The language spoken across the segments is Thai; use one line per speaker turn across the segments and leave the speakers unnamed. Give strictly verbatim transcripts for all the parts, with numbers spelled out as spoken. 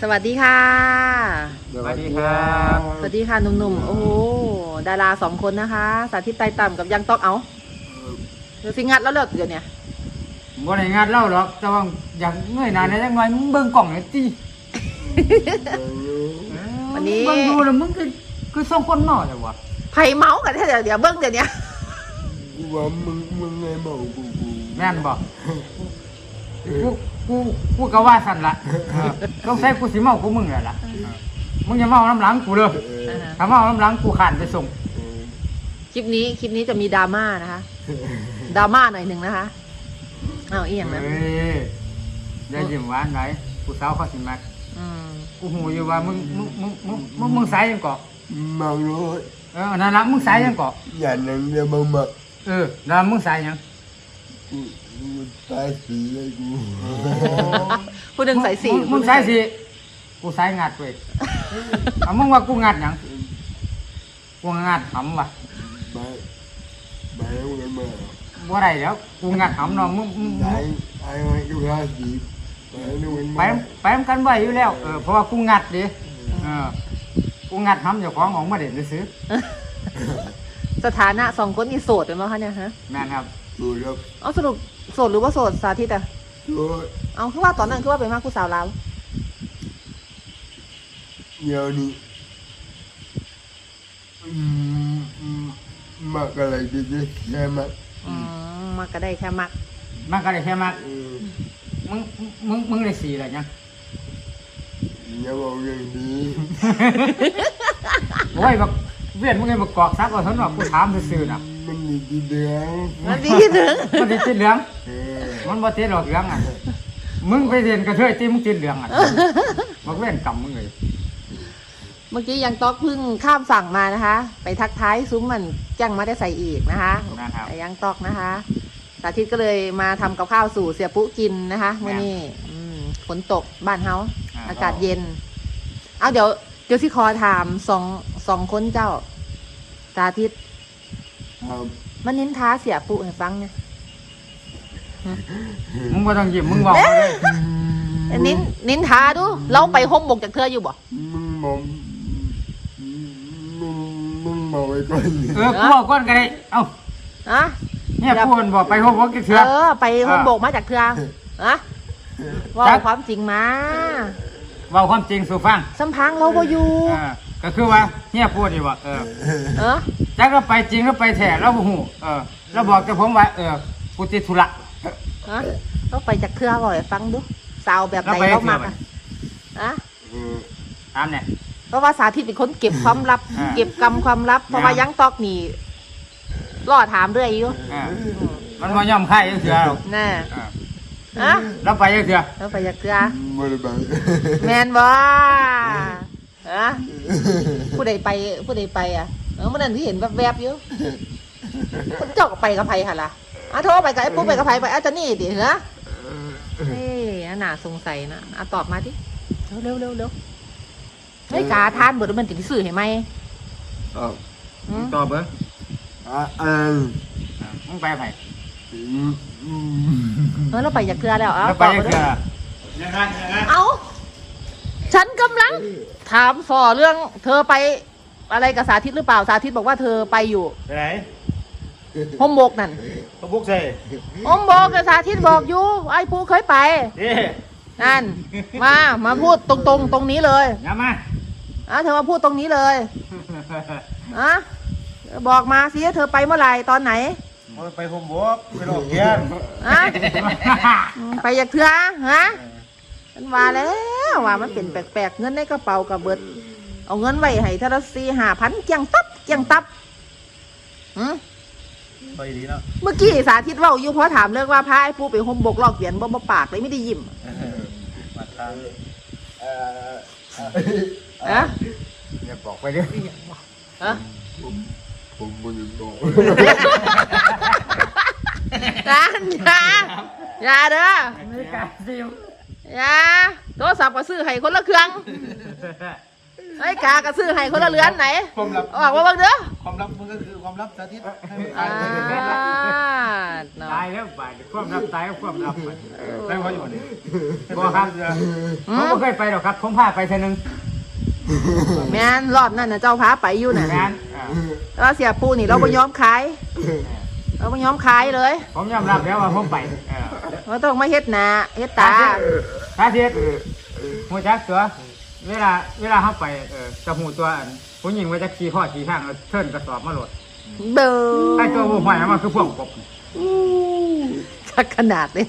สวัสดีค่ะ
สวัสดีครับ
สวัสดีค่ะหนุ่มๆโอ้โหดาราสองคนนะคะสาธิตไต่ต่ำกับยังต๊อกเอาเดี๋ยวสิงัดแล้วเลิกเดี๋ยวเนี้ย
บ่ได้งานเล่าหรอกแต่ว่าอยากเงยหน้าในจังหน่อยมึงเบิ่งกล่องหน่อยติ
วันนี้
เบิ่งดูแล้วมึงคือคือสองคนเมาจังวะ
ไผ่เมาส์กันแท้เดี๋ยวเดี๋ยวเบิ้งเดี๋ยวเนี้ย
กูว่ามึงมึงไงเมากูกู
แม่นบ่กูกูกูก็ว่าสั่นละเออต้องใช้กูสิเมากูมึงแหละล่ะเออมึงอย่าเมาน้ำหลังกูเด้อถ้าเมาน้ำหลังกูขานไปส่ง
คลิปนี้คลิปนี้จะมีดราม่านะคะดราม่าหน่อยหนึ่งนะคะอ้าวอีหยังนะ
เอ้ยอย่ายิ้มหวานไหนผู้สาวเขาสิมัก
อืม
กูหูอยู่ว่ามึงมึงมึงมึงมึงมึงสายยังเกาะ
เมาโน้ต
เออนั่นละมึงสายยังเกาะ
อย่านั่งเดี๋ยวมามา
เออแล้วมึงสายยัง
กูกูตายสีเลยกู
ผู้หนึ่งใส่สี
มึงมึงสายสิกูสายงัดเว้ยเอามึงว่ากูงัดหยังกูงัดหำว่ะ
ไปไปเอาเงินมา
บ่ได้แล้วกูงัดหำเนาะมึงมึง
ไปไอ้ไอ้กูห้าสีไปเอาเงิน
ไป
มา
ไปนำกันไว้อยู่แล้วเออเพราะว่ากูงัดดิเออกูงัดหำเจ้าของของมาเด่นซื้อ
สถานะสองคนนี่โสดเป็นไหมคะเนี่ยฮะ
แม่นครับ
ดูครับ
เอาสรุปโสดหรือว่าโสดสาธิตอะ
โน้ต
เอาคือว่าตอนนั้นคือว่าเป็นมากผู้สาวลาว
เดี๋ยวนี้อืมอืมมากอะไรดีดีแค่มา
อืมมาก็ได้แค่มัก
มันก็ได้แค่มาก
เออ
มึงมึงมึงได้สี่แล้วยัง
อย่าบอกเรื่องนี้
โอ้ยบักเวียนมึงไงบักกอกซักว่าท่านว่ากูถามซื่อๆน่ะ
มันมีดีเดือง
นั่นดีถึง
มันติดติดเหลือง
เออ
มันบ่ติดหรอกเหลืองอ่ะมึงไปเรียนกระเทยตีมึงติดเหลืองอ่ะบักเวียนกำมึงเลย
เมื่อกี้ยังต๊อกเพึ่งข้ามฝั่งมานะคะ ไปทักท้ายซุ้มมันจังมาได้ใส่อีกนะคะ
นะครับ
แต่ยังต๊อกนะคะ สาธิตก็เลยมาทำกับข้าวสู่เสียปุ๊กินนะคะเมื่อนี้อืมฝนตกบ้านเฮาอากาศเย็น เอาเดี๋ยวเดี๋ยวที่คอถามสองสองคนเจ้า สาธิต
ครับ
มันนินท้าเสียปุ๊ให้ฟังเนี่ย
มึงบ่ต้องยิ้มมึงบอกมาเลย
นินนินท้าดูเราไปห้มบกจากเธออยู่บ่
มึงมองมึงมึงมองไว้ก่อน
เออกูบอกก่อนก็ได้เอ้า
อะ
เนี่ยพูดบอกไปพบว่ากี่เถื่อ
เออ ไปห้มบกมาจากเธออะว่า
จัก
ความจริงมา
เว่าความจริงสู่ฟัง
สัมพังเราบ่อยู่
เออก็คือว่าเนี่ยพูดดีว่าเออ
เออ
จักเราไปจริงเราไปแท้เราบ่ฮู้เออเราบอกกับผมว่าเออกูติดธุระ
อะเราไปจากเธอบ่ให้ฟังดูสาวแบบไหน
เราไป
เรา
เทื่อ
มัก
ไหน
อะอะ
เออ
ตามเนี่ย
เพราะว่าสาธิตเป็นคนเก็บความลับ
อ่า
เก็บกรรมความลับ เพราะว่า
อ่ายั
ยังตอกนี่รอถามเรื่อยอยู่
เออมันบ่ยอมใครจังเถื่อหรอก
แน่
เออ
อะ
เราไปจังเถื่อ
เราไปจากเธอ
ไม่ได้ไป
แมนบ่อะผู้ใดไปผู้ใดไปอ่ะเออเมื่อนั้นที่เห็นแวบๆอยู่คนเจ้าก็ไปกับไผค่ะล่ะอ่ะโทรไปกับไอ้ปุ๊บไปกับไผไปอาจจะนี่ดิเหรอเฮ้ยน่าสงสัยนะอ่ะตอบมาดิเร็วเร็วเร็วเฮ้ยกาทานเบิดมันติดสื่อเห็นไหม
อ่ะ
อืม
ตอบเบิ่ง
อ่ะอ่ะ
มึงไปไผ
อืมอืม
เออเราไปจากเกลือแล้วเอา
เรา
ต
ไป
อบ
จั
มาง ดิ
เถื่อ
เอาฉันกำลัง ถามสอเรื่อง เธอไปอะไรกับสาธิตหรือเปล่าสาธิตบอกว่าเธอไปอยู่
ไปไหน
ห้มบกนั่น
เขาบุกใส่
ห้มบกกับสาธิตบอกอยู่ไอ้ปูเคยไป
เอ๊ะ
นั่น มา มาพูดตรงๆ ตรงนี้เลย
อย่ามา
อ่ะเธอมาพูดตรงนี้เลยอ่ะบอกมาสิเธอไปเมื่อไหร่ตอนไหน
มันไปผมบวกไปโรงเรียน
อ่ะอืมไปอยากเถื่อฮะฉันว่าแล้วว่ามันเป็นแปลกๆเงินในกระเป๋ากับเบิด เอาเงินไว้ให้เทาละสี่ห้าพันเกียงตับเกียงตับอืม
ไปดีเนาะ
เมื่อกี้สาธิตเว่าอยู่เพราะถามเรื่องว่าพาไอ้ปูไปห่มบกลอกเหรียญบ่บ่ปากเลยไม่ได้ยิ้ม
มาทาง
เอ่อ
อะ
อย่าบอกไปเด้อ
อะ
ผมผมไม่ได้บอก
นั่นอย่าอย่าเด้อ
ไม่กล้าซิม
อย่าโทรศัพท์ก็ซื้อให้คนละเครื่องไอ้ยกากระซื้อให้คนละเรือนไหน
ความลับ
ออกมาเบิ่งเด้อ
ความลับมันก็คือความลับสาธิตให้มัน
อ่า
ตาย
เนาะ
ตายแล้วไปความลับตายก็ความลับไป
ได้พออยู่นี่
บ่ครับผมบ่เคยไปหรอกครับ ผมพาไปเทื่อนึง
แม่นรอบนั้นน่ะเจ้าพาไปอยู่น่ะ
แม่นอ่า
แต่ว่าเสียปูนี่เราบ่ยอมขายเราบ่ยอมขายเลย
ผมยอมรับแล้วว่าผมไปเออ
เราต้องมาเฮ็ดหน้าเฮ็ดตา
สาธิตหัวจักตัวเวลาเวลาเขาไปเออจะหูตัวอันผู้หญิงว่าจะขี่ข้อขี่ข้างแล้วเทิร์นกระสอบมาโหลด
เด้อ
ไอ้ตัวบุหอยมันคือพวกกบ
ชักขนาดเลย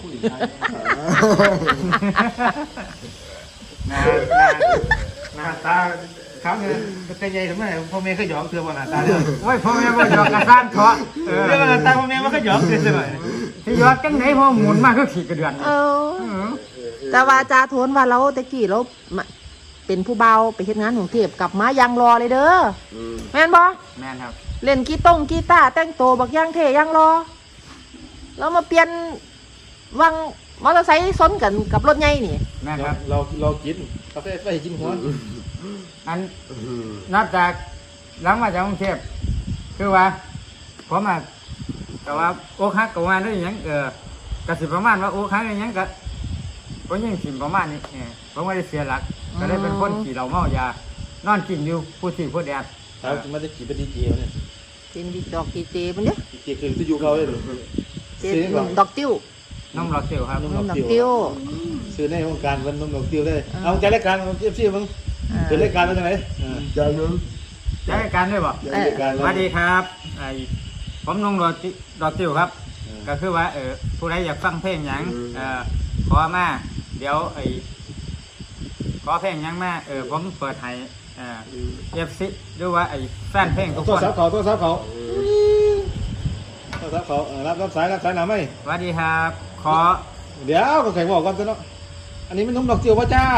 หน้าหน้าหน้าตาครับเนี่ยแต่ใหญ่ทำไมพ่อแม่ก็หยอกเธอว่าหน้าตาเนี่ย
โอ้ยพ่อแม่บ่หยอกกระซ่านเถาะเออ
เรื่องหน้าตาพ่อแม่มันก็หยอกเธอใช่ไหม
ที่หยอกจังไหนพ่อหมุนมากคือขี่กระเดือน
เออ
เออ
แต่ว่าจาโทนว่าเราตะกี้เรามาเป็นผู้เบาไปเฮ็ดงานของเทพกลับมายังรอเลยเด้อแม่นบ่
แม่นครับ
เล่นกีต้งกีตาร์แต่งตัวบักย่างเทย่างรอแล้วมาเปลี่ยนวังมอเตอร์ไซค์ซ้นกันกับรถใหญ่นี่
แม่นครับ
เราเรากินกาแฟไปกินหัว
อันนับจากหลังมาจากกรุงเทพคือว่าผมอ่ะแต่ว่าโอ๊คฮักกับว่าได้หยังเออกสิประมาณว่าโอ๊คฮักได้หยังก็ก็ยังสิประมาณนี้เออผมไม่ได้เสียหลักก็ได้เป็นคนขี่เราเมายานอนกินอยู่ผู้ที่ผู้แดด
ครับมันจะกี่เป็นดีเจเนี่ย
เป็นดีดอกดีเจมันเด้อ
ดีเจคือที่อยู่เขาเลย
เจดอกติ้ว
น้องหลอดเตียวครับ
ดอกติ้ว
ซื้อในวงการมันนมดอกติ้วเลยเอาใจรายการของเอฟซีมึง
อ่า
เป็นรายการเป็นยังไง
จานนึง
ใช้การด้วยบ่
รายการ
สวัสดีครับไอผมน้องหลอดติหลอดเตียวครับ ก็คือว่าเออผู้ใดอยากฟังเพลงหยังเออขอมาเดี๋ยวไอขอเพลงหยังมาเออผมเปิดให้เออเอฟซีดูว่าไอแฟนเพลงทุก
โท
ค
ร
น
ศัพท์เขาโทรศัพท์เขาโทรศัพท์เขารับรับสายรับสายหนาไหม
สวัสดีครับ ขอ
เดี๋ยวก็แข่งบอกก่อนซะเนาะอันนี้มันนมดอกติ้วว่าจ้า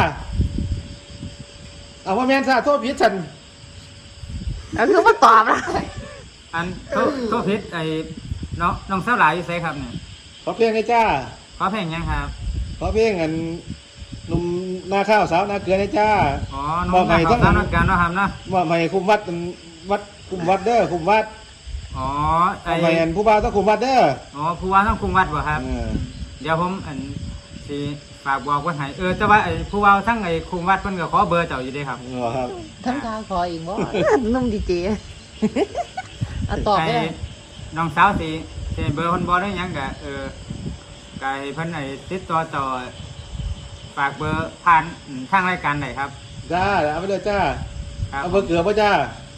เอาว่าแมนซาโทษพิษฉัน
แล้วคือมาตอบนะ
อันโทษโทษพิษไอน้องน้องสาวหลายอยู่ไสครับเนี่ย
ขอเพลงให้จ้า
ขอเพลงหยังครับ
ขอเพลงอันหนุ่มนาข้าวสาวนาเกลือให้จ้า
อ๋อน้องสาวสาวนักการเนาะครับเนาะ
ว่าไม่คุมวัดวัดคุมวัดเด้อคุมวัด
อ๋อไอ
ไม่อันผู้บ่าวต้องคุมวัดเด้อ
อ๋อผู้ว่าต้องคุมวัดบ่ครับ
เออ
เดี๋ยวผมอันสิฝากบอกไว่าให้เออแต่ว่าไอ้ผู้ว่าทั้งไอ้คุมวัดเพิ่นก็ขอเบอร์เจ้าอยู่เด้ครับ
เหรอครับ
ทั้งกาคออีกบ่ นุ่มดีเจอ่ะตอบ
ไอ้
ได้
น้องสาวสิสิเบอร์เพิ่นบ่ได้หยังก็เออก็ให้เพิ่นไอ้ติดต่อต่อฝากเบอร์ผ่านอืมทางรายการได้ครับ
จ้าเอาไปเลยจ้า
ครับ
เอาเบอร์เกลือป่ะจ้า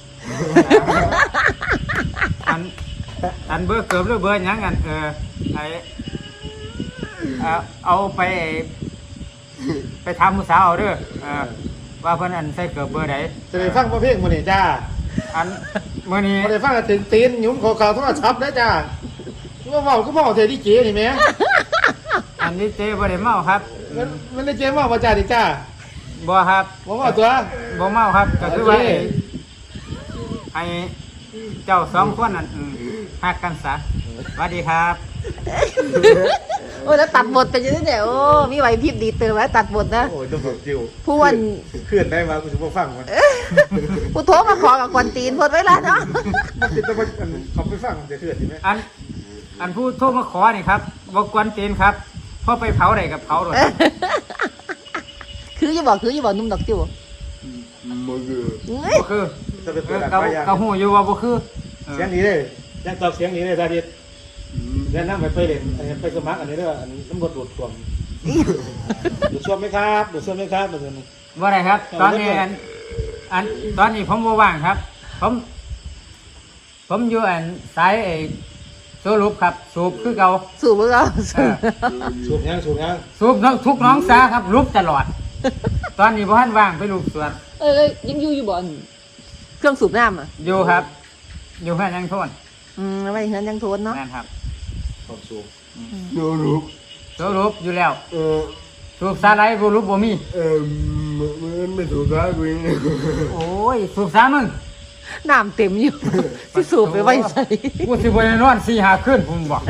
อันอันเบอร์เกือบหรือเบอร์หยังกันเออไอ้เอาเอาไปไอ้ไปถามผู้สาวเอาเด้อเออว่าเพิ่นอันใส่เกือบเบอร์ใด
จะได้ฟังเพลงมื้อนี้จ้า
อันมื้อนี้
บ่ได้ฟังก็ถึงตีนหยุ้มขอข่าวโทรศัพท์ได้จ้าว่าเมาก็เมาเทดีเจนี่แหม่
อันนี้เจ๊บ่ได้เมาครับ
มันมันได้เจเมาบ่จ้าดิจ้า
บ่ครับ
บ่เมาตัว
บ่เมาครับก็คือว่า
โอเค
ไอ้ไอ้เจ้าสองคนนั่นอืมฮักกันซะสวัสดีครับ
โอ้ยแล้วตัดบทไปยังไงเนี่ยโอ้มีไหวพริบดีเติมไว้ตัดบทนะ
โอ้ยต้องบอกจิว
ผู้วัน
เคลื่อนได้มากูสิบ่ฟังมัน
ผู้โทรมาขอกับกวนตีนพดไว้แล้วเนาะ
มันติดต้องมันเขาไปฟังมันจะเคลื่อนใช่ไหม
อันอันผู้โทรมาขอนี่ครับบ่กวนตีนครับพอไปเผาได้กับเผาโดด
คืออย่าบอกคืออย่าบอกนุ่มดอกจิ๋ว
มันคือ
เอ้ย
บ่คือ
จะเป็น
เอ
ตัว
อ
ดัง
ก็
ไปยัง
ก็ฮู้อยู่ว่าบ่คือเออ
เสียงนี้เลยยังตอบเสียงนี้เลยตาดิดเดี๋ยวนั่งไปไปเล่นไปสมัครอันนี้เด้ออันน้ำบดดูดซ่วมดูดซ่วมไหมครับดูดซ่วมไหมครับดูดซ่วม
บ่ได้ครับ ตอนนี้อันอันตอนนี้ผมบ่ว่างครับ ผม ผมอยู่อันสายไอ้สูบครับ สูบคือเก่า
สูบเบอร์เอา
เอ
สูบ
อ
สูบยังสูบยัง
สูบน้องทุกน้องสาครับรูปตลอด ตอนนี้พ่ทันว่างไปรูปสวน
เอ้ยยังอยู่อยู่บ่อนเครื่องสูบน้ำอ่ะ
อยู่ครับ อยู่แค่ยังโทน
อืมไว้เห็นยังโทนเนาะ
นั่นครับ
ความสูบ
โนรุก
สูบรูปอยู่แล้ว
เออ
สูบสาไรบ่รูปบ่มี
เออมันไม่ถูกท้ายกูเอง
โอ้ยสูบสามึง
น้ำเต็มอยู่ ที่สูบไปไว้ใส่
กูสิบ่ได้นอนสี่ห้าคืนผมบอก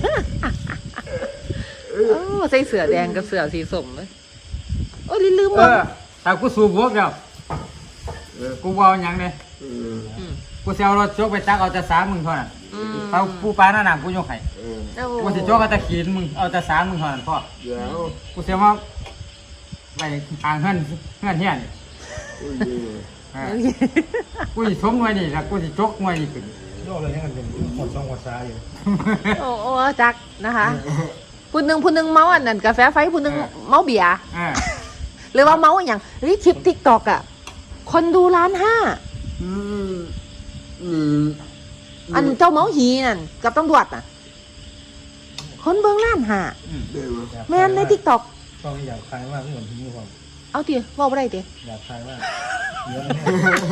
โอ้ใส่เสื้อแดงกับเสื้อสีส้มเลยโอ้ยลืม
เอ
บ่
อถ้ากูสูบวกแล้ว
เออ
กูบ่เอาหยังเลย
เออ
อืม
กูสิเอารถจกไปตักเอาแต่สามมึงเท่านั้น
อืม
เอาปูปลาหน้าหนามกูยกให้
เออ
โอ้
กูสิจกเอาแต่ขีนมึงเอาแต่สามมึงเท่านั้นพ่อ
เดี๋ยว
กูเสียมาไปทางเฮือนเฮือนเฮียนี่
โอ้ย
เออกูสิชมหน่วยนี่แล้วกูสิจกหน่วยนี่ขึ้น
โยกเลยยังกันเป็นหดซองหัดซ้ายอยู่
โอ้โอ้จักนะคะผู้หนึ่งผู้หนึ่งเมาอันนั้นกาแฟไฟผู้หนึ่งเมาเบียร์
เออ
หรือว่าเมาอย่างเฮ้ยคลิปทิกตอกอ่ะคนดูล้านห้า
อืมอืม
อันเจ้าเมาหีนั่นกับตำรวจน่ะ คนเบิ่งล้านห้า
อืม
เดี๋ยว
แม่นในทิกตอก
ต้องอยากคลายมากเหมือนที่นี่ความ
เอาทีเว่าบ่ได้ที
อยากคลายมากเยอะแน่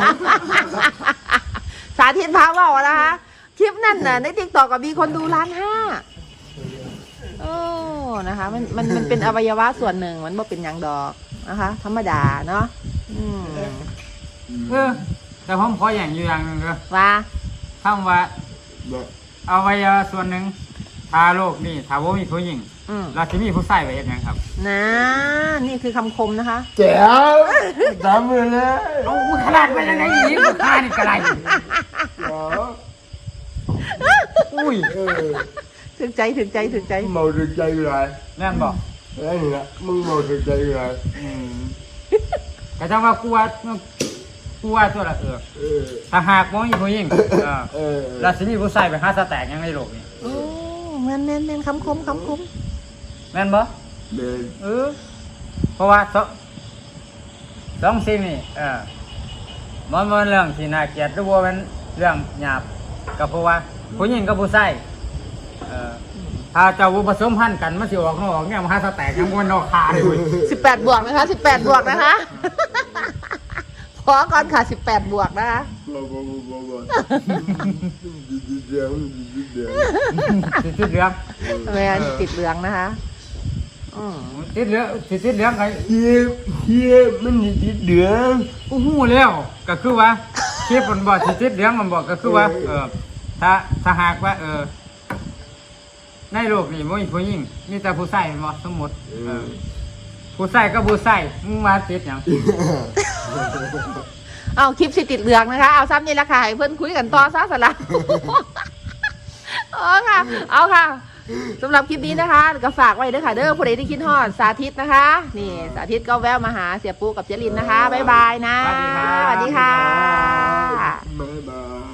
สาธิตพาเว่านะคะคลิปนั่นน่ะในทิกตอกก็มีคนดูล้านห้าโอ้นะคะ มันมันมันเป็นอวัยวะส่วนหนึ่งมันบ่เป็นหยังดอกนะคะ ธรรมดาเนาะอืม
เออแต่ผมขออย่างอยู่อย่างหนึงเด้อ
ว่า
คำว่า
แบบ
อวัยวะส่วนหนึ่งทาโลกนี่ถ้าว่ามีผู้หญิง
อืม
เราจะมีผู้ชายไว้เฮ็ดหยังครับ
นะนี่คือคำคมนะคะ
แจ๋วทำเลยนะ
เอาขนาดไปยังไงอีกข้านี่กระไร
แจ๋ว
อุ้ย
เออ
ถึงใจถึงใจถึงใจ
เมาถึงใจไร
แม่นบอก
ไอ้นี่นะมึงเมาถึงใจไร
อืมก็จะว่ากลัวกลัวตัวละเออ
เออ
ถ้าหากว่ามีผู้หญิงเออ
เออ
เราจะมีผู้ชายไปหาสแต็กยังในโลกนี่
โอ้แม่นแม่นแม่นคำคมคำคม
แม่นบ่
เดิน
เออเพราะว่าสองสองสิ่งนี่เออมันมันเรื่องที่น่าเกลียดหรือว่ามันเรื่องหยาบก็เพราะว่าผู้หญิงกับผู้ชายเออถ้าเจ้าผสมพันธุ์กันมันสิออกนอกเนี่ยมันหาสแต็กยังมันนอกคาเลยเว้ย
สิบแปดบวกนะคะสิบแปดบวกนะคะ พอก่อนค่ะสิบแปดบวกนะคะ
บ่บ่บ่บ่บ่เดี๋ยวเดี๋ยว
ติดติดเหลือง
แม่นติดเหลืองนะคะอืม
ติดเหลืองติดติดเหลืองไง
เฮียเฮียมันนี่ติดเดือด
อู้หูแล้วก็คือว่าคลิปมันบอกติดติดเหลืองมันบอกก็คือว่าเออถ้าถ้าหากว่าเออในโลกนี้ไม่มีผู้หญิงมีแต่ผู้ชายบ่สมมติเออผู้ชายก็ผู้ชายมึงมาติดหยัง
เอาคลิปสิติดเหลืองนะคะ เอาซ้ำนี่ละค่ะให้เพื่อนคุยกันต่อซะสละ เออค่ะ เอาค่ะสำหรับคลิปนี้นะคะก็ฝากไว้ด้วยค่ะเด้อผู้ใดที่คิดฮอดสาธิตนะคะ นี่สาธิตก็แวะมาหาเสียปูกับเจรินนะคะบ๊ายบายนะ
สวัสดีครับ
สวัสดีค่ะ
บ๊ายบาย